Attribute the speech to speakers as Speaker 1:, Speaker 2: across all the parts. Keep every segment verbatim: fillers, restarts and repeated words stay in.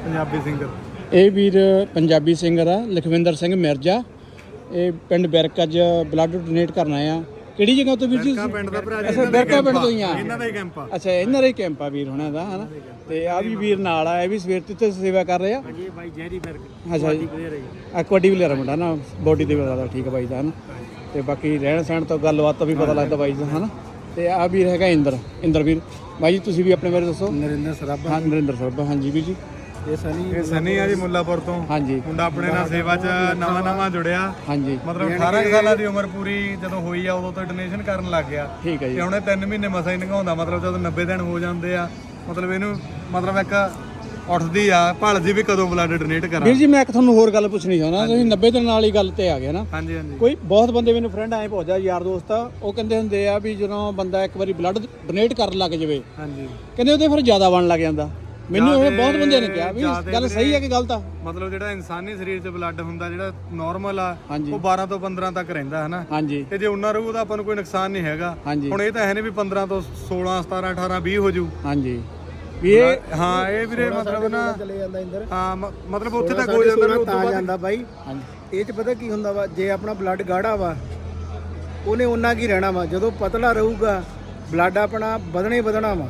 Speaker 1: Punjabi singer.
Speaker 2: ਇਹ ਵੀਰ Punjabi singer ਆ ਲਖਵਿੰਦਰ ਸਿੰਘ ਮਿਰਜ਼ਾ। ਇਹ ਪਿੰਡ ਬਿਰਕਾ 'ਚ ਬਲੱਡ ਡੋਨੇਟ ਕਰਨ ਆਏ ਆ। ਕਿਹੜੀ ਜਗ੍ਹਾ ਤੋਂ ਵੀਰ ਜੀ?
Speaker 1: ਬਿਰਕਾ ਪਿੰਡ ਦਾ ਭਰਾ ਜੀ।
Speaker 2: ਅੱਛਾ ਬਿਰਕਾ ਪਿੰਡ ਤੋਂ ਹੀ ਆ।
Speaker 1: ਇਹਨਾਂ ਦਾ ਹੀ ਕੈਂਪ ਆ।
Speaker 2: ਅੱਛਾ ਇਹਨਾਂ ਦਾ ਹੀ ਕੈਂਪ ਆ ਵੀਰ ਹੁਣਾਂ ਦਾ ਹਨਾ। ਤੇ ਆ ਵੀ ਵੀਰ ਨਾਲ ਆ, ਇਹ ਵੀ ਸਵੇਰ ਤੋਂ ਸੇਵਾ ਕਰ ਰਹੇ ਆ।
Speaker 3: ਹਾਂਜੀ ਬਾਈ ਜੈਰੀ ਬਿਰਕ।
Speaker 2: ਅੱਛਾ ਜੀ ਆ ਕਬੱਡੀ ਪਲੇਅਰ ਮੁੰਡਾ ਨਾ, ਬੋਡੀ ਦੇ ਬਤਾ ਠੀਕ ਆ ਬਾਈ ਦਾ ਹਨਾ। ਤੇ ਬਾਕੀ ਰਹਿਣ ਸਹਿਣ ਤੋਂ ਗੱਲਬਾਤ ਤੋਂ ਵੀ ਪਤਾ ਲੱਗਦਾ ਬਾਈ ਦਾ ਹਨਾ। ਤੇ ਆ ਵੀਰ ਹੈਗਾ ਇੰਦਰ ਇੰਦਰ ਵੀਰ। ਬਾਈ ਜੀ ਤੁਸੀਂ ਵੀ ਆਪਣੇ ਬਾਰੇ ਦੱਸੋ।
Speaker 3: ਨਰਿੰਦਰ ਸਰਾਭਾ।
Speaker 2: ਹਾਂ ਨਰਿੰਦਰ ਸਰਾਭਾ। ਹਾਂਜੀ ਵੀਰ ਜੀ।
Speaker 3: ਇਹ ਸਨੀ
Speaker 1: ਇਹ ਸਨੀ ਆ ਜੀ ਮੁੱਲਾਪੁਰ ਤੋਂ।
Speaker 2: ਹਾਂਜੀ
Speaker 1: ਮੁੰਡਾ ਆਪਣੇ ਨਾਲ ਸੇਵਾ 'ਚ ਨਵਾਂ ਨਵਾਂ ਜੁੜਿਆ।
Speaker 2: ਹਾਂਜੀ
Speaker 1: ਮਤਲਬ ਅਠਾਰਾਂ ਸਾਲਾਂ ਦੀ ਉਮਰ ਪੂਰੀ ਜਦੋਂ ਹੋਈ ਆ ਉਦੋਂ ਤੋਂ ਡੋਨੇਸ਼ਨ ਕਰਨ ਲੱਗ ਗਿਆ।
Speaker 2: ਠੀਕ ਹੈ ਜੀ।
Speaker 1: ਤੇ ਹੁਣ ਇਹ ਤਿੰਨ ਮਹੀਨੇ ਮਸਾਂ ਹੀ ਨਿਭਾਉਂਦਾ। ਮਤਲਬ ਜਦੋਂ ਨੱਬੇ ਦਿਨ ਹੋ ਜਾਂਦੇ ਆ ਮਤਲਬ ਇਹਨੂੰ ਮਤਲਬ ਇੱਕ ਉੱਠਦੀ ਆ ਭਾਲਦੀ ਵੀ ਕਦੋਂ ਬਲੱਡ ਡੋਨੇਟ ਕਰਾਂ।
Speaker 2: ਵੀਰ ਜੀ ਮੈਂ ਇੱਕ ਤੁਹਾਨੂੰ ਹੋਰ ਗੱਲ ਪੁੱਛਣੀ ਚਾਹੁੰਦਾ। ਤੁਸੀਂ ਨੱਬੇ ਦਿਨ ਵਾਲੀ ਗੱਲ ਤੇ ਆ ਗਏ ਨਾ।
Speaker 1: ਹਾਂਜੀ ਹਾਂਜੀ।
Speaker 2: ਕੋਈ ਬਹੁਤ ਬੰਦੇ ਮੈਨੂੰ ਫਰੈਂਡ ਐਂ ਪਹੁੰਚਦਾ ਯਾਰ ਦੋਸਤ ਆ, ਉਹ ਕਹਿੰਦੇ ਹੁੰਦੇ ਆ ਵੀ ਜਦੋਂ ਬੰਦਾ ਇੱਕ ਵਾਰੀ ਬਲੱਡ ਡੋਨੇਟ ਕਰਨ ਲੱਗ ਜਾਵੇ
Speaker 1: ਹਾਂਜੀ
Speaker 2: ਕਹਿੰਦੇ ਉਹਦੇ ਫਿਰ ਜ਼ਿਆਦਾ ਬਣ ਲੱਗ ਜਾਂਦਾ। ਮੈਨੂੰ ਇਹ ਬਹੁਤ ਬੰਦਿਆਂ ਨੇ ਕਿਹਾ ਵੀ ਗੱਲ ਸਹੀ ਹੈ ਕਿ ਗਲਤ ਆ?
Speaker 1: ਮਤਲਬ ਜਿਹੜਾ ਇਨਸਾਨੀ ਸਰੀਰ 'ਚ ਬਲੱਡ ਹੁੰਦਾ ਜਿਹੜਾ ਨਾਰਮਲ ਆ
Speaker 2: ਹਾਂਜੀ।
Speaker 1: ਉਹ ਬਾਰਾਂ ਤੋਂ ਪੰਦਰਾਂ ਤੱਕ ਰਹਿੰਦਾ ਹਨਾ।
Speaker 2: ਹਾਂਜੀ
Speaker 1: ਤੇ ਜੇ ਉਹਨਾਂ ਰਹੂ ਤਾਂ ਆਪਾਂ ਨੂੰ ਕੋਈ ਨੁਕਸਾਨ ਨਹੀਂ ਹੈਗਾ।
Speaker 2: ਹਾਂਜੀ
Speaker 1: ਹੁਣ ਇਹ ਤਾਂ ਹੈ ਨਹੀਂ ਵੀ ਪੰਦਰਾਂ ਤੋਂ ਸੋਲਾਂ ਸਤਾਰਾਂ ਅਠਾਰਾਂ ਵੀਹ ਹੋ ਜੂ।
Speaker 2: ਹਾਂਜੀ ਵੀ ਇਹ
Speaker 1: ਹਾਂ ਇਹ ਵੀਰੇ ਮਤਲਬ ਨਾ
Speaker 3: ਚਲੇ ਜਾਂਦਾ ਇੰਦਰ।
Speaker 1: ਹਾਂ ਮ- ਮਤਲਬ ਉੱਥੇ ਤੱਕ ਹੋ ਜਾਂਦਾ ਨਾ।
Speaker 3: ਤਾਂ ਜਾਂਦਾ ਬਾਈ।
Speaker 2: ਹਾਂਜੀ
Speaker 3: ਇਹ ਚ ਪਤਾ ਕੀ ਹੁੰਦਾ ਵਾ, ਜੇ ਆਪਣਾ ਬਲੱਡ ਗਾੜਾ ਵਾ ਉਹਨੇ ਉਹਨਾਂ ਕੀ ਰਹਿਣਾ ਵਾ। ਜਦੋਂ ਪਤਲਾ ਰਹੂਗਾ ਬਲੱਡ ਆਪਣਾ ਵਧਣਾ ਹੀ ਵਧਣਾ ਵਾ।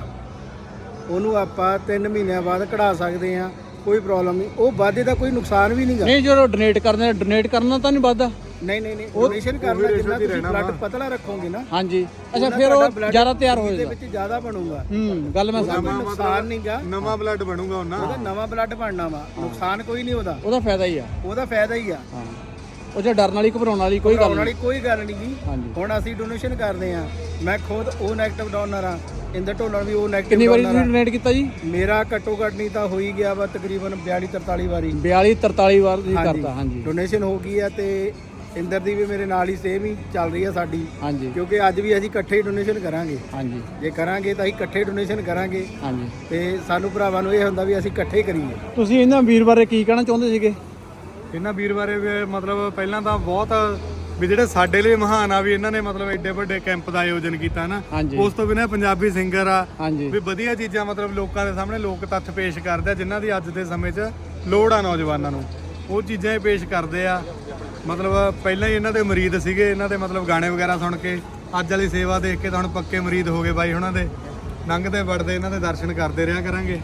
Speaker 3: ਉਹਨੂੰ ਆਪਾਂ ਤਿੰਨ ਮਹੀਨਿਆਂ ਬਾਅਦ ਕਢਾ ਸਕਦੇ ਆ, ਕੋਈ ਪ੍ਰੋਬਲਮ ਨਹੀਂ। ਉਹ ਵਾਧੇ ਦਾ ਕੋਈ ਨੁਕਸਾਨ ਵੀ ਨਹੀਂਗਾ।
Speaker 2: ਨਹੀਂ ਜਦੋਂ ਡੋਨੇਟ ਕਰਦੇ ਡੋਨੇਟ ਕਰਨਾ ਤਾਂ ਨਹੀਂ ਵੱਧਦਾ?
Speaker 3: ਨਹੀਂ ਨਹੀਂ ਨਹੀਂ ਡੋਨੇਸ਼ਨ ਕਰਨਾ ਜਿੰਨਾ ਤੁਸੀਂ ਬਲੱਡ ਪਤਲਾ ਰੱਖੋਗੇ ਨਾ।
Speaker 2: ਹਾਂਜੀ ਅੱਛਾ ਫਿਰ ਉਹ ਜ਼ਿਆਦਾ ਤਿਆਰ ਹੋ
Speaker 3: ਇਹਦੇ
Speaker 2: ਜਾਏਗਾ।
Speaker 3: ਵਿੱਚ ਜ਼ਿਆਦਾ ਬਣੂਗਾ।
Speaker 2: ਹੂੰ ਗੱਲ ਮੈਂ ਸਮਝ।
Speaker 3: ਨੁਕਸਾਨ ਨਹੀਂਗਾ।
Speaker 1: ਨਵਾਂ ਬਲੱਡ ਬਣੂਗਾ ਉਹਨਾਂ।
Speaker 3: ਉਹਦਾ ਨਵਾਂ ਬਲੱਡ ਬਣਨਾ ਵਾ, ਨੁਕਸਾਨ ਕੋਈ ਨਹੀਂ ਉਹਦਾ।
Speaker 2: ਉਹਦਾ ਫਾਇਦਾ ਹੀ ਆ।
Speaker 3: ਉਹਦਾ ਫਾਇਦਾ ਹੀ ਆ।
Speaker 2: ਹਾਂ ਉਹ ਜੇ ਡਰਨ ਵਾਲੀ ਘਬਰਾਉਣ ਵਾਲੀ ਕੋਈ ਗੱਲ
Speaker 3: ਘਬਰਾਉਣ
Speaker 2: ਨਹੀਂ।
Speaker 3: ਵਾਲੀ ਕੋਈ ਗੱਲ ਨਹੀਂ ਜੀ।
Speaker 2: ਹਾਂਜੀ
Speaker 3: ਹੁਣ ਅਸੀਂ ਡੋਨੇਸ਼ਨ ਕਰਦੇ ਆ। ਮੈਂ ਖੁਦ ਉਹ ਨੈਗੇਟਿਵ ਡੋਨਰ ਆ। ਇੰਦਰ ਢੋਲਣ ਵੀ ਉਹ ਨੈਗੇਟਿਵ
Speaker 2: ਕਿੰਨੀ ਵਾਰੀ
Speaker 3: ਡੋਨਰ
Speaker 2: ਤੁਸੀਂ ਡੋਨੇਟ ਕੀਤਾ ਜੀ?
Speaker 3: ਆ। ਮੇਰਾ ਘੱਟੋ ਘੱਟ ਨਹੀਂ ਤਾਂ ਹੋ ਹੀ ਗਿਆ ਵਾ ਤਕਰੀਬਨ ਬਿਆਲੀ ਤਰਤਾਲੀ ਵਾਰੀ
Speaker 2: ਬਿਆਲੀ ਤਰਤਾਲੀ ਵਾਰ ਤੁਸੀਂ ਕਰਤਾ। ਹਾਂਜੀ
Speaker 3: ਡੋਨੇਸ਼ਨ ਹੋ ਗਈ ਆ। ਤੇ ਇੰਦਰ ਦੀ ਵੀ ਮੇਰੇ ਨਾਲ ਹੀ ਸੇਮ ਹੀ ਚੱਲ ਰਹੀ ਆ ਸਾਡੀ।
Speaker 2: ਹਾਂਜੀ
Speaker 3: ਕਿਉਂਕਿ ਅੱਜ ਵੀ ਅਸੀਂ ਇਕੱਠੇ ਹੀ ਡੋਨੇਸ਼ਨ ਕਰਾਂਗੇ।
Speaker 2: ਹਾਂਜੀ
Speaker 3: ਜੇ ਕਰਾਂਗੇ ਤਾਂ ਅਸੀਂ ਇਕੱਠੇ ਡੋਨੇਸ਼ਨ ਕਰਾਂਗੇ।
Speaker 2: ਹਾਂਜੀ
Speaker 3: ਤੇ ਸਾਨੂੰ ਭਰਾਵਾਂ ਨੂੰ ਇਹ ਹੁੰਦਾ ਵੀ ਅਸੀਂ ਇਕੱਠੇ ਹੀ ਕਰੀਏ।
Speaker 2: ਤੁਸੀਂ ਇਹਨਾਂ ਵੀਰ ਬਾਰੇ ਕੀ ਕਹਿਣਾ ਚਾਹੁੰਦੇ ਸੀਗੇ?
Speaker 1: ਇਹਨਾਂ ਵੀਰ ਬਾਰੇ ਵੀ ਮਤਲਬ ਪਹਿਲਾਂ ਤਾਂ ਬਹੁਤ ਵੀ ਜਿਹੜੇ ਸਾਡੇ ਲਈ ਮਹਾਨ ਆ ਵੀ ਇਹਨਾਂ ਨੇ ਮਤਲਬ ਐਡੇ ਵੱਡੇ ਕੈਂਪ ਦਾ ਆਯੋਜਨ ਕੀਤਾ ਨਾ।
Speaker 2: ਹਾਂਜੀ
Speaker 1: ਉਸ ਤੋਂ ਬਿਨਾਂ ਪੰਜਾਬੀ ਸਿੰਗਰ ਆ
Speaker 2: ਹਾਂਜੀ
Speaker 1: ਵੀ ਵਧੀਆ ਚੀਜ਼ਾਂ ਮਤਲਬ ਲੋਕਾਂ ਦੇ ਸਾਹਮਣੇ ਲੋਕ ਤੱਥ ਪੇਸ਼ ਕਰਦੇ ਆ ਜਿਨ੍ਹਾਂ ਦੀ ਅੱਜ ਦੇ ਸਮੇਂ 'ਚ ਲੋੜ ਆ ਨੌਜਵਾਨਾਂ ਨੂੰ। ਉਹ ਚੀਜ਼ਾਂ ਹੀ ਪੇਸ਼ ਕਰਦੇ ਆ। ਮਤਲਬ ਪਹਿਲਾਂ ਹੀ ਇਹਨਾਂ ਦੇ ਮਰੀਦ ਸੀਗੇ, ਇਹਨਾਂ ਦੇ ਮਤਲਬ ਗਾਣੇ ਵਗੈਰਾ ਸੁਣ ਕੇ ਅੱਜ ਵਾਲੀ ਸੇਵਾ ਦੇਖ ਕੇ ਤਾਂ ਹੁਣ ਪੱਕੇ ਮਰੀਦ ਹੋ ਗਏ ਬਾਈ ਉਹਨਾਂ ਦੇ। ਲੰਘਦੇ ਵੜਦੇ ਇਹਨਾਂ ਦੇ ਦਰਸ਼ਨ ਕਰਦੇ ਰਿਹਾ ਕਰਾਂਗੇ।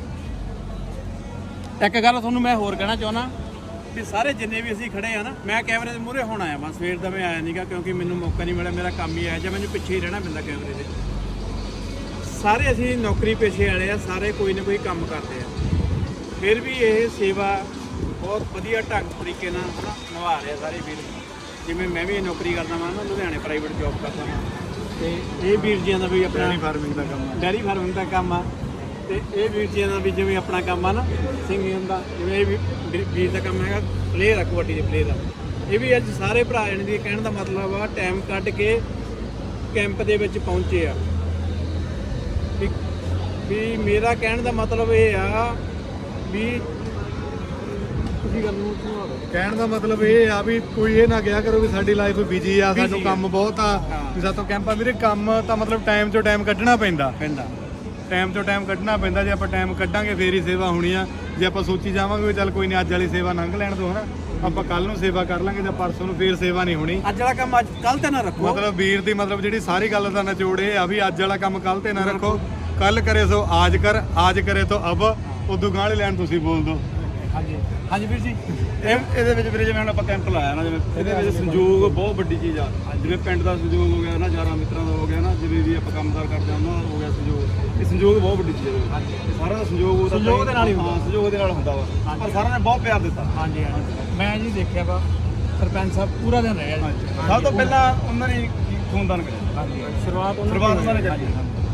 Speaker 2: ਇੱਕ ਗੱਲ ਤੁਹਾਨੂੰ ਮੈਂ ਹੋਰ ਕਹਿਣਾ ਚਾਹੁੰਦਾ ਵੀ ਸਾਰੇ ਜਿੰਨੇ ਵੀ ਅਸੀਂ ਖੜੇ ਆ ਨਾ, ਮੈਂ ਕੈਮਰੇ ਦੇ ਮੂਹਰੇ ਹੁਣ ਆਇਆ ਮੈਂ ਸਵੇਰ ਦਾ ਮੈਂ ਆਇਆ ਨਹੀਂਗਾ ਕਿਉਂਕਿ ਮੈਨੂੰ ਮੌਕਾ ਨਹੀਂ ਮਿਲਿਆ। ਮੇਰਾ ਕੰਮ ਹੀ ਆਇਆ ਜਾਂ ਮੈਨੂੰ ਪਿੱਛੇ ਹੀ ਰਹਿਣਾ ਪੈਂਦਾ ਕੈਮਰੇ ਦੇ। ਸਾਰੇ ਅਸੀਂ ਨੌਕਰੀ ਪੇਸ਼ੇ ਵਾਲੇ ਆ, ਸਾਰੇ ਕੋਈ ਨਾ ਕੋਈ ਕੰਮ ਕਰਦੇ ਆ। ਫਿਰ ਵੀ ਇਹ ਸੇਵਾ ਬਹੁਤ ਵਧੀਆ ਢੰਗ ਤਰੀਕੇ ਨਾਲ ਹਨਾ ਨਿਭਾ ਰਹੇ ਸਾਰੇ ਵੀਰ। ਜਿਵੇਂ ਮੈਂ ਵੀ ਨੌਕਰੀ ਕਰਦਾ ਵਾਂ ਨਾ, ਲੁਧਿਆਣੇ ਪ੍ਰਾਈਵੇਟ ਜੌਬ ਕਰਦਾ ਹਾਂ। ਤੇ ਇਹ ਵੀਰ ਜੀਆਂ ਦਾ ਵੀ ਆਪਣਾ
Speaker 1: ਡੈਰੀ ਫਾਰਮਿੰਗ ਦਾ ਕੰਮ ਆ।
Speaker 2: ਡੈਰੀ ਫਾਰਮਿੰਗ ਦਾ ਕੰਮ ਆ। ਤੇ ਇਹ ਵੀਰ ਜੀਆਂ ਦਾ ਵੀ ਜਿਵੇਂ ਆਪਣਾ ਕੰਮ ਆ ਨਾ ਸਿੰਗਿੰਗ ਦਾ, ਜਿਵੇਂ ਇਹ ਵੀ ਵੀਰ ਦਾ ਕੰਮ ਹੈਗਾ ਪਲੇਅਰ ਆ, ਕਬੱਡੀ ਦੇ ਪਲੇਅਰ ਆ। ਇਹ ਵੀ ਅੱਜ ਸਾਰੇ ਭਰਾ ਇਹਨਾਂ ਦੀ ਕਹਿਣ ਦਾ ਮਤਲਬ ਆ ਟਾਈਮ ਕੱਢ ਕੇ ਕੈਂਪ ਦੇ ਵਿੱਚ ਪਹੁੰਚੇ ਆ। ਵੀ ਵੀ ਮੇਰਾ ਕਹਿਣ ਦਾ ਮਤਲਬ ਇਹ ਆ ਵੀ ਤੁਸੀਂ ਗੱਲ ਨੂੰ ਸੁਣਾਓ।
Speaker 1: ਕਹਿਣ ਦਾ ਮਤਲਬ ਇਹ ਆ ਵੀ ਕੋਈ ਇਹ ਨਾ ਕਿਹਾ ਕਰੋ ਵੀ ਸਾਡੀ ਲਾਈਫ ਬਿਜੀ ਆ, ਸਾਨੂੰ ਕੰਮ ਬਹੁਤ ਆ ਵੀ ਸਾਤੋਂ ਕੈਂਪਾਂ ਵੀਰੇ ਕੰਮ ਤਾਂ ਮਤਲਬ ਟਾਈਮ ਚੋਂ ਟਾਈਮ ਕੱਢਣਾ ਪੈਂਦਾ
Speaker 2: ਪੈਂਦਾ
Speaker 1: ਟਾਈਮ ਚੋਂ ਟਾਈਮ ਕੱਢਣਾ ਪੈਂਦਾ। ਜੇ ਆਪਾਂ ਟਾਈਮ ਕੱਢਾਂਗੇ ਫੇਰ ਹੀ ਸੇਵਾ ਹੋਣੀ ਆ। ਜੇ ਆਪਾਂ ਸੋਚੀ ਜਾਵਾਂਗੇ ਵੀ ਚੱਲ ਕੋਈ ਨਹੀਂ ਅੱਜ ਵਾਲੀ ਸੇਵਾ ਲੰਘ ਲੈਣ ਦੋ ਹਨਾ, ਆਪਾਂ ਕੱਲ ਨੂੰ ਸੇਵਾ ਕਰ ਲਾਂਗੇ ਜਾਂ ਪਰਸੋਂ ਨੂੰ ਫੇਰ ਸੇਵਾ ਨਹੀਂ ਹੋਣੀ।
Speaker 2: ਅੱਜ ਵਾਲਾ ਕੰਮ ਅੱਜ ਕੱਲ ਤੇ ਨਾ ਰੱਖੋ।
Speaker 1: ਮਤਲਬ ਵੀਰ ਦੀ ਮਤਲਬ ਜਿਹੜੀ ਸਾਰੀ ਗੱਲ ਦਾ ਨਿਚੋੜ ਇਹ ਆ ਵੀ ਅੱਜ ਵਾਲਾ ਕੰਮ ਕੱਲ ਤੇ ਨਾ ਰੱਖੋ। ਕੱਲ ਕਰੇ ਸੋ ਆਜ ਕਰ, ਆਜ ਕਰੇ ਤੋ ਅਬ। ਉਦੋਂ ਗਾਂਹ ਵਾਲੀ ਲਾਈਨ ਤੁਸੀਂ ਬੋਲ ਦਿਓ।
Speaker 2: ਹਾਂਜੀ ਹਾਂਜੀ ਵੀਰ ਜੀ।
Speaker 4: ਇਹ ਇਹਦੇ ਵਿੱਚ ਵੀਰੇ ਜਿਵੇਂ ਹੁਣ ਆਪਾਂ ਕੈਂਪ ਲਾਇਆ ਨਾ, ਜਿਵੇਂ ਇਹਦੇ ਵਿੱਚ ਸੰਯੋਗ ਬਹੁਤ ਵੱਡੀ ਚੀਜ਼ ਆ। ਜਿਵੇਂ ਪਿੰਡ ਦਾ ਸੰਯੋਗ ਹੋ ਗਿਆ ਨਾ, ਯਾਰਾਂ ਮਿੱਤਰਾਂ ਦਾ ਹੋ ਗਿਆ ਨਾ, ਜਿਵੇਂ ਵੀ ਆਪਾਂ ਕੰਮਕਾਰ ਕਰਦੇ ਹਾਂ ਉਹਨਾਂ ਦਾ ਹੋ ਗਿਆ ਸੰਯੋਗ। ਇਹ ਸੰਯੋਗ ਬਹੁਤ ਵੱਡੀ ਚੀਜ਼ ਹੈ। ਇਹ ਸਾਰਿਆਂ ਦਾ ਸੰਯੋਗ ਉਹਦਾ
Speaker 2: ਸੰਯੋਗ ਦੇ ਨਾਲ ਹੀ ਹੁੰਦਾ।
Speaker 4: ਹਾਂ ਸੰਯੋਗ ਦੇ ਨਾਲ ਹੁੰਦਾ ਵਾ। ਪਰ ਸਾਰਿਆਂ ਨੇ ਬਹੁਤ ਪਿਆਰ ਦਿੱਤਾ।
Speaker 2: ਹਾਂਜੀ ਹਾਂਜੀ ਮੈਂ ਜੀ ਦੇਖਿਆ ਵਾ ਸਰਪੰਚ ਸਾਹਿਬ ਪੂਰਾ ਦਿਨ ਰਿਹਾ ਜੀ।
Speaker 4: ਸਭ ਤੋਂ ਪਹਿਲਾਂ ਉਹਨਾਂ ਨੇ ਖੂਨਦਾਨ ਕਰਿਆ।
Speaker 2: ਹਾਂਜੀ ਸ਼ੁਰੂਆਤ ਉਹਨਾਂ
Speaker 4: ਸ਼ੁਰੂਆਤ ਉਹਨਾਂ ਨੇ ਕੀਤੀ।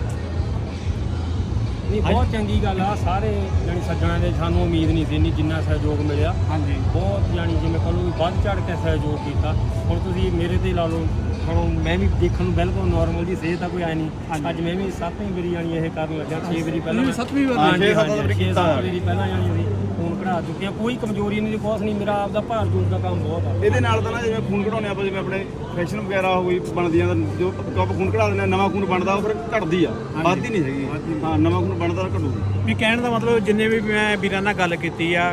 Speaker 3: ਨਹੀਂ ਬਹੁਤ ਚੰਗੀ ਗੱਲ ਆ। ਸਾਰੇ ਜਾਨੀ ਸੱਜਣਾ ਦੇ ਸਾਨੂੰ ਉਮੀਦ ਨਹੀਂ ਸੀ ਇੰਨੀ ਜਿੰਨਾ ਸਹਿਯੋਗ ਮਿਲਿਆ।
Speaker 2: ਹਾਂਜੀ
Speaker 3: ਬਹੁਤ ਜਾਨੀ ਜਿਵੇਂ ਕਹੋ ਵੀ ਵੱਧ ਚੜ ਕੇ ਸਹਿਯੋਗ ਕੀਤਾ। ਹੁਣ ਤੁਸੀਂ ਮੇਰੇ ਤੇ ਲਾ ਲਓ, ਹੁਣ ਮੈਂ ਵੀ ਦੇਖਣ ਨੂੰ ਬਿਲਕੁਲ ਨਾਰਮਲ ਜੀ ਸਿਹਤ ਤਾਂ ਕੋਈ ਆਈ ਨਹੀਂ। ਅੱਜ ਮੈਂ ਵੀ ਸੱਤਵੀਂ ਵਾਰੀ ਜਾਨੀ ਇਹ ਕਰਨ ਲੱਗਾ। ਛੇ ਵਾਰੀ ਪਹਿਲਾਂ
Speaker 2: ਸੱਤਵੀਂ ਵਾਰ
Speaker 3: ਹਾਂਜੀ
Speaker 4: ਛੇ ਸੱਤ ਵਾਰੀ
Speaker 3: ਛੇ ਸੱਤ ਵਾਰੀ ਪਹਿਲਾਂ ਜਾਨੀ ਅਸੀਂ ਖੂਨ ਕਢਾ
Speaker 5: ਕਢਾ ਚੁੱਕੇ ਆ, ਕੋਈ ਕਮਜ਼ੋਰੀ ਨਹੀਂ, ਕੁਛ ਨਹੀਂ, ਮੇਰਾ ਆਪਦਾ ਭਾਰ ਜੂਸ ਦਾ ਕੰਮ ਬਹੁਤ ਆ।
Speaker 4: ਇਹਦੇ ਨਾਲ ਤਾਂ ਨਾ ਜਿਵੇਂ ਖੂਨ ਕਢਾਉਣੇ ਆਪਾਂ, ਜਿਵੇਂ ਆਪਣੇ ਫੈਸ਼ਨ ਵਗੈਰਾ ਹੋ ਗਈ ਬਣਦੀਆਂ, ਤਾਂ ਜੋ ਆਪਾਂ ਖੂਨ ਕਢਾ ਦਿੰਦੇ ਆ, ਨਵਾਂ ਖੂਨ ਬਣਦਾ ਉਹ ਫਿਰ ਘਟਦੀ ਆ, ਵੱਧਦੀ ਨਹੀਂ ਹੈਗੀ। ਹਾਂ, ਨਵਾਂ ਖੂਨ ਬਣਦਾ ਤਾਂ ਘਟੂਗੀ।
Speaker 2: ਵੀ ਕਹਿਣ ਦਾ ਮਤਲਬ ਜਿੰਨੇ ਵੀ ਮੈਂ ਵੀਰਾਂ ਨਾਲ ਗੱਲ ਕੀਤੀ ਆ,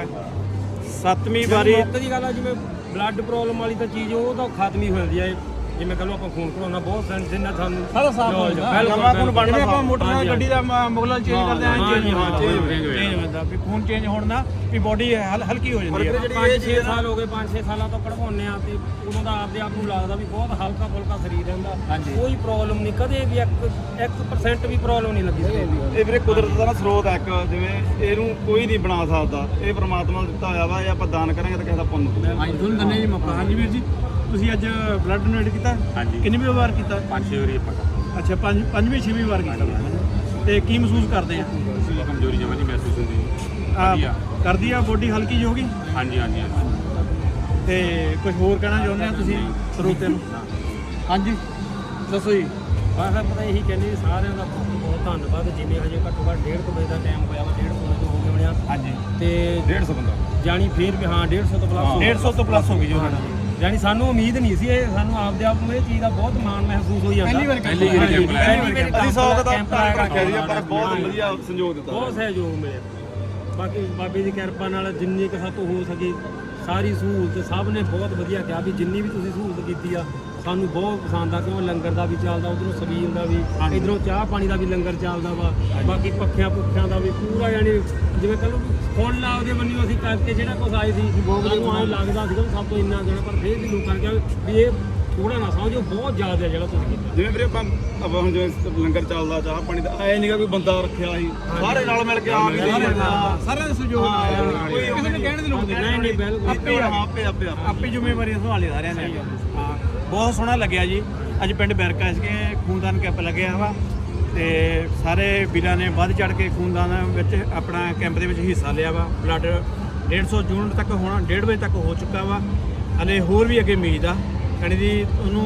Speaker 2: ਸੱਤਵੀਂ ਵਾਰੀ
Speaker 5: ਮੌਕੇ ਦੀ ਗੱਲ ਆ, ਜਿਵੇਂ ਬਲੱਡ ਪ੍ਰੋਬਲਮ ਵਾਲੀ ਤਾਂ ਚੀਜ਼ ਉਹ ਤਾਂ ਖਤਮ ਹੀ ਹੋ ਜਾਂਦੀ ਆ। ਜਿਵੇਂ ਕਹ ਲਓ ਆਪਾਂ ਖੂਨ ਕਢਾਉਣਾ ਬਹੁਤ ਸੈਂਸ ਜਿੰਨਾ ਸਾਨੂੰ
Speaker 2: ਸਾਰਾ ਸਾਫ਼ ਹੋ ਜਾਂਦਾ।
Speaker 4: ਨਵਾਂ ਖੂਨ ਬਣਨਾ
Speaker 2: ਜਿਵੇਂ ਆਪਾਂ ਮੋਟਰਸਾਈਕਲ ਗੱਡੀ ਦਾ ਮੁਗਲਾਂ ਚੇਂਜ ਕਰਦੇ ਆਂ, ਚੇਂਜ
Speaker 5: ਹਾਂ,
Speaker 2: ਚੇਂਜ ਹੁੰਦਾ ਵੀ ਖੂਨ ਚੇਂਜ ਹੋਣ ਦਾ ਵੀ ਬੋਡੀ ਹਲਕੀ ਹੋ ਜਾਂਦੀ ਹੈ।
Speaker 5: ਪੰਜ ਛੇ ਸਾਲ ਹੋ ਗਏ, ਪੰਜ ਛੇ ਸਾਲਾਂ ਤੋਂ ਕਢਵਾਉਂਦੇ ਆ ਤੇ ਉਦੋਂ ਦਾ ਆਪਦੇ ਆਪ ਨੂੰ ਲੱਗਦਾ ਵੀ ਬਹੁਤ ਹਲਕਾ ਫੁਲਕਾ ਸਰੀਰ ਰਹਿੰਦਾ, ਕੋਈ ਪ੍ਰੋਬਲਮ ਨਹੀਂ, ਕਦੇ ਵੀ ਇੱਕ ਇੱਕ ਪਰਸੈਂਟ ਵੀ ਪ੍ਰੋਬਲਮ ਨਹੀਂ ਲੱਗੀ ਸੀ।
Speaker 4: ਇਹ ਵੀਰੇ ਕੁਦਰਤ ਦਾ ਨਾ ਸਰੋਤ ਹੈ ਇੱਕ, ਜਿਵੇਂ ਇਹਨੂੰ ਕੋਈ ਨਹੀਂ ਬਣਾ ਸਕਦਾ, ਇਹ ਪ੍ਰਮਾਤਮਾ ਨੇ ਦਿੱਤਾ ਹੋਇਆ ਵਾ, ਇਹ ਆਪਾਂ ਦਾਨ ਕਰਾਂਗੇ ਤਾਂ ਕਿਸੇ ਦਾ ਪੁੰਨ ਹੋਊਗਾ।
Speaker 2: ਹਾਂਜੀ, ਤੁਹਾਨੂੰ ਦੰਨੇ ਜੀ ਮੌਕਾ। ਹਾਂਜੀ ਵੀਰ ਜੀ, ਤੁਸੀਂ ਅੱਜ ਬਲੱਡ ਡੋਨੇਟ ਕੀਤਾ?
Speaker 6: ਹਾਂਜੀ।
Speaker 2: ਕਿੰਨੀ ਵੀ ਵਾਰ ਕੀਤਾ?
Speaker 6: ਪੰਜ ਛੇ ਵਾਰੀ ਆਪਾਂ ਕਰਦੇ
Speaker 2: ਅੱਛਾ, ਪੰਜ ਪੰਜਵੀਂ ਛੇਵੀਂ ਵਾਰ ਕੀਤਾ ਤੇ ਕੀ ਮਹਿਸੂਸ ਕਰਦੇ ਆ?
Speaker 6: ਹਾਂ। ਕਮਜ਼ੋਰੀ ਜਮਾਂ ਨਹੀਂ ਮਹਿਸੂਸ ਹੁੰਦੀ।
Speaker 2: ਆ,
Speaker 6: ਵਧੀਆ।
Speaker 2: ਕਰਦੀ ਆ ਬੋਡੀ ਹਲਕੀ ਜਿਹੀ ਹੋ ਗਈ
Speaker 6: ਹਾਂਜੀ ਹਾਂਜੀ ਹਾਂਜੀ।
Speaker 2: ਤੇ ਕੁਝ ਹੋਰ ਕਹਿਣਾ ਚਾਹੁੰਦੇ ਆ ਤੁਸੀਂ ਸਰੋਤਿਆਂ ਨੂੰ? ਹਾਂਜੀ ਦੱਸੋ ਜੀ।
Speaker 5: ਬਸ ਆਪਾਂ ਇਹੀ ਕਹਿੰਦੇ ਵੀ ਸਾਰਿਆਂ ਦਾ ਬਹੁਤ ਬਹੁਤ ਧੰਨਵਾਦ। ਜਿਵੇਂ ਹਜੇ ਘੱਟੋ ਘੱਟ ਡੇਢ ਕੁ ਵਜੇ ਦਾ ਟਾਈਮ ਹੋਇਆ ਵਾ, ਡੇਢ ਕੁ ਵਜੇ ਤੋਂ ਹੋ ਗਏ ਹੋਣੇ ਆ
Speaker 2: ਹਾਂਜੀ
Speaker 5: ਤੇ
Speaker 4: ਡੇਢ ਸੌ ਬੰਦਾ
Speaker 5: ਜਾਣੀ ਫੇਰ ਵੀ ਹਾਂ ਡੇਢ ਸੌ ਤੋਂ ਪਲੱਸ
Speaker 2: ਡੇਢ ਸੌ ਤੋਂ ਪਲੱਸ ਹੋ ਗਈ ਜੀ ਉਹਨਾਂ ਦੀ।
Speaker 5: ਜਾਣੀ ਸਾਨੂੰ ਉਮੀਦ ਨਹੀਂ ਸੀ, ਇਹ ਸਾਨੂੰ ਆਪਦੇ ਆਪ ਨੂੰ ਇਹ ਚੀਜ਼ ਦਾ ਬਹੁਤ ਮਾਣ ਮਹਿਸੂਸ ਹੋਈ ਜਾਂਦਾ।
Speaker 2: ਪਹਿਲੀ ਵਾਰ
Speaker 6: ਪਹਿਲੀ ਵਾਰ ਕੈਂਪ ਲਾਇਆ।
Speaker 5: ਪਹਿਲੀ ਵਾਰ
Speaker 4: ਅਸੀਂ ਸੌ ਦਾ
Speaker 5: ਕੈਂਪ
Speaker 4: ਤਾਂ
Speaker 5: ਲਾਇਆ
Speaker 4: ਰੱਖਿਆ ਸੀ, ਪਰ ਬਹੁਤ ਵਧੀਆ ਸੰਯੋਗ ਦਿੱਤਾ।
Speaker 5: ਬਹੁਤ ਸਹਿਯੋਗ ਮਿਲਿਆ। ਬਾਕੀ ਬਾਬੇ ਦੀ ਕਿਰਪਾ ਨਾਲ ਜਿੰਨੀ ਕੁ ਸਾਤੋਂ ਹੋ ਸਕੀ ਸਾਰੀ ਸਹੂਲਤ ਸਭ ਨੇ ਬਹੁਤ ਵਧੀਆ ਕਿਹਾ ਵੀ ਜਿੰਨੀ ਵੀ ਤੁਸੀਂ ਸਹੂਲਤ ਕੀਤੀ ਆ ਸਾਨੂੰ ਬਹੁਤ ਪਸੰਦ ਆ, ਕਿਉਂ ਲੰਗਰ ਦਾ ਵੀ ਚੱਲਦਾ, ਉਧਰੋਂ ਸਬੀਲ ਦਾ ਵੀ, ਇਧਰੋਂ ਚਾਹ ਪਾਣੀ ਦਾ ਵੀ ਲੰਗਰ ਚੱਲਦਾ ਵਾ, ਬਾਕੀ ਪੱਖਿਆਂ ਪੁੱਖਿਆਂ ਦਾ ਵੀ ਪੂਰਾ, ਯਾਨੀ ਜਿਵੇਂ ਕਹ ਲਓ ਫੁੱਲ ਆ ਉਹਦੇ ਬੰਨਿਓ ਅਸੀਂ ਕਰਕੇ ਜਿਹੜਾ ਕੁਛ ਆਏ ਸੀ ਸਾਨੂੰ ਐਂ ਲੱਗਦਾ ਸੀਗਾ ਵੀ ਸਭ ਤੋਂ ਇੰਨਾ ਦੇਣਾ, ਪਰ ਫੇਰ ਵੀ ਲੋਕਾਂ ਨੇ ਕਿਹਾ ਵੀ ਇਹ ਥੋੜਾ ਨਾ ਸਮਝੋ, ਬਹੁਤ ਜ਼ਿਆਦਾ ਜਿਹੜਾ ਤੁਸੀਂ ਕੀਤਾ।
Speaker 4: ਜਿਵੇਂ ਵੀਰੇ ਆਪਾਂ ਆਪਾਂ ਹੁਣ ਜਿਵੇਂ ਲੰਗਰ ਚੱਲਦਾ, ਚਾਹ ਪਾਣੀ ਦਾ ਐ ਨਹੀਂਗਾ ਕੋਈ ਬੰਦਾ ਰੱਖਿਆ ਸੀ, ਸਾਰੇ ਨਾਲ ਮਿਲ ਕੇ ਆਪ ਹੀ
Speaker 2: ਸਾਰਿਆਂ ਦਾ ਸਹਿਯੋਗ ਨਾਲ,
Speaker 4: ਕੋਈ
Speaker 2: ਕਿਸੇ ਨੂੰ ਕਹਿਣ ਦੀ ਲੋੜ
Speaker 5: ਨਹੀਂ ਨਹੀਂ ਬਿਲਕੁਲ
Speaker 2: ਆਪੇ
Speaker 4: ਹਾਂ, ਆਪੇ ਆਪੇ ਆਪੇ
Speaker 2: ਆਪੇ ਜ਼ਿੰਮੇਵਾਰੀ ਸੰਭਾਲੀ ਸਾਰਿਆਂ ਨੇ। ਹਾਂ, ਬਹੁਤ ਸੋਹਣਾ ਲੱਗਿਆ ਜੀ। ਅੱਜ ਪਿੰਡ ਬੈਰਕਾ ਇਸਕੇ ਖੂਨਦਾਨ ਕੈਂਪ ਲੱਗਿਆ ਵਾ ਤੇ ਸਾਰੇ ਵੀਰਾਂ ਨੇ ਵੱਧ ਚੜ ਕੇ ਖੂਨਦਾਨ ਵਿੱਚ ਆਪਣਾ ਕੈਂਪ ਦੇ ਵਿੱਚ ਹਿੱਸਾ ਲਿਆ ਵਾ। ਬਲੱਡ ਡੇਢ ਸੌ ਜੂਨ ਤੱਕ ਹੋਣਾ, ਡੇਢ ਵਜੇ ਤੱਕ ਹੋ ਚੁੱਕਾ ਵਾ। ਹਲੇ ਹੋਰ ਵੀ ਅੱਗੇ ਉਮੀਦ ਆ ਕਣੀ ਦੀ, ਉਹਨੂੰ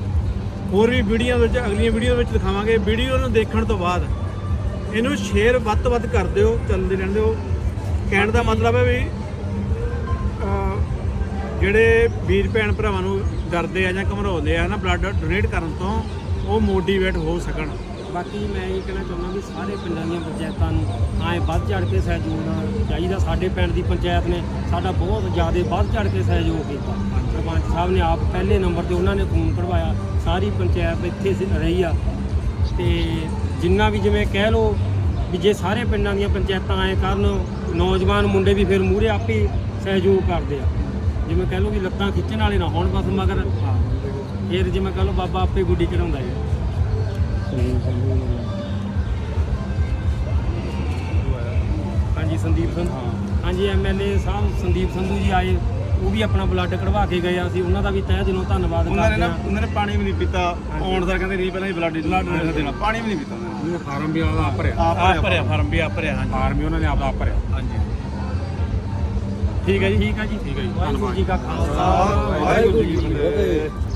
Speaker 2: ਹੋਰ ਵੀ ਵੀਡੀਓ ਵਿੱਚ ਅਗਲੀਆਂ ਵੀਡੀਓ ਵਿੱਚ ਦਿਖਾਵਾਂਗੇ। ਵੀਡੀਓ ਨੂੰ ਦੇਖਣ ਤੋਂ ਬਾਅਦ ਇਹਨੂੰ ਸ਼ੇਅਰ ਵੱਧ ਤੋਂ ਵੱਧ ਕਰ ਦਿਓ, ਚੱਲਦੇ ਰਹਿਣ ਦਿਓ। ਕਹਿਣ ਦਾ ਮਤਲਬ ਹੈ ਵੀ ਜਿਹੜੇ ਵੀਰ ਭੈਣ ਭਰਾਵਾਂ ਨੂੰ ਡਰਦੇ ਆ ਜਾਂ ਘਮਰਾਉਂਦੇ ਆ ਨਾ ਬਲੱਡ ਡੋਨੇਟ ਕਰਨ ਤੋਂ, ਉਹ ਮੋਟੀਵੇਟ ਹੋ ਸਕਣ।
Speaker 5: ਬਾਕੀ ਮੈਂ ਇਹ ਕਹਿਣਾ ਚਾਹੁੰਦਾ ਵੀ ਸਾਰੇ ਪਿੰਡਾਂ ਦੀਆਂ ਪੰਚਾਇਤਾਂ ਨੂੰ ਐਂ ਵੱਧ ਚੜ ਕੇ ਸਹਿਯੋਗ ਦੇਣਾ ਚਾਹੀਦਾ। ਸਾਡੇ ਪਿੰਡ ਦੀ ਪੰਚਾਇਤ ਨੇ ਸਾਡਾ ਬਹੁਤ ਜ਼ਿਆਦਾ ਵੱਧ ਚੜ ਕੇ ਸਹਿਯੋਗ ਕੀਤਾ। ਸਰਪੰਚ ਸਾਹਿਬ ਨੇ ਆਪ ਪਹਿਲੇ ਨੰਬਰ ਤੇ ਉਹਨਾਂ ਨੇ ਖੂਨ ਕਢਵਾਇਆ, ਸਾਰੀ ਪੰਚਾਇਤ ਇੱਥੇ ਸ- ਰਹੀ ਆ। ਤੇ ਜਿੰਨਾ ਵੀ ਜਿਵੇਂ ਕਹਿ ਲਓ ਵੀ ਜੇ ਸਾਰੇ ਪਿੰਡਾਂ ਦੀਆਂ ਪੰਚਾਇਤਾਂ ਐਂ ਕਰਨ, ਨੌਜਵਾਨ ਮੁੰਡੇ ਵੀ ਫਿਰ ਮੂਹਰੇ ਆਪੇ ਸਹਿਯੋਗ ਕਰਦੇ ਆ। ਜਿਵੇਂ ਕਹਿ ਲਓ ਵੀ ਲੱਤਾਂ ਖਿੱਚਣ ਵਾਲੇ ਨਾ ਹੋਣ ਬਸ ਮਗਰ, ਫਿਰ ਜਿਵੇਂ ਕਹਿ ਲਓ ਬਾਬਾ ਆਪੇ ਗੁੱਡੀ ਚੜਾਉਂਦਾ ਹੈ। ਹਾਂਜੀ ਸੰਦੀਪ ਸੰਧੂ, ਹਾਂਜੀ ਐਮ ਐਲ ਏ ਸਾਹਿਬ ਸੰਦੀਪ ਸੰਧੂ ਜੀ ਆਏ, ਉਹ ਵੀ ਆਪਣਾ ਬਲੱਡ ਕਢਵਾ ਕੇ ਗਏ। ਅਸੀਂ ਉਹਨਾਂ ਦਾ ਵੀ ਤਹਿ ਦਿਲੋਂ ਧੰਨਵਾਦ
Speaker 4: ਉਹਨਾਂ ਨੇ
Speaker 5: ਕਰਦੇ
Speaker 4: ਨਾ
Speaker 5: ਹਾਂ।
Speaker 4: ਉਹਨਾਂ ਨੇ ਪਾਣੀ ਵੀ ਨਹੀਂ ਪੀਤਾ ਆਉਣ ਦਾ, ਕਹਿੰਦੇ ਨਹੀਂ ਪਹਿਲਾਂ ਹੀ ਬਲੱਡ ਡੋਨੇਸ਼ਨ ਦੇਣਾ, ਪਾਣੀ ਵੀ ਨਹੀਂ ਪੀਤਾ ਉਹਨਾਂ ਨੇ।
Speaker 6: ਫਾਰਮ ਵੀ ਆਪਦਾ ਆਪ ਭਰਿਆ।
Speaker 2: ਆਪ ਭਰਿਆ ਫਾਰਮ ਵੀ ਆਪ ਭਰਿਆ। ਹਾਂਜੀ
Speaker 6: ਫਾਰਮ ਵੀ ਉਹਨਾਂ ਨੇ ਆਪਦਾ ਆਪ ਭਰਿਆ।
Speaker 2: ਹਾਂਜੀ ਠੀਕ ਹੈ ਜੀ,
Speaker 5: ਠੀਕ ਹੈ ਜੀ,
Speaker 6: ਠੀਕ ਹੈ ਜੀ,
Speaker 5: ਵਾਹਿਗੁਰੂ ਜੀ ਕਾ ਖਾਲਸਾ
Speaker 4: ਵਾਹਿਗੁਰੂ ਜੀ ਕੀ ਫਤਿਹ।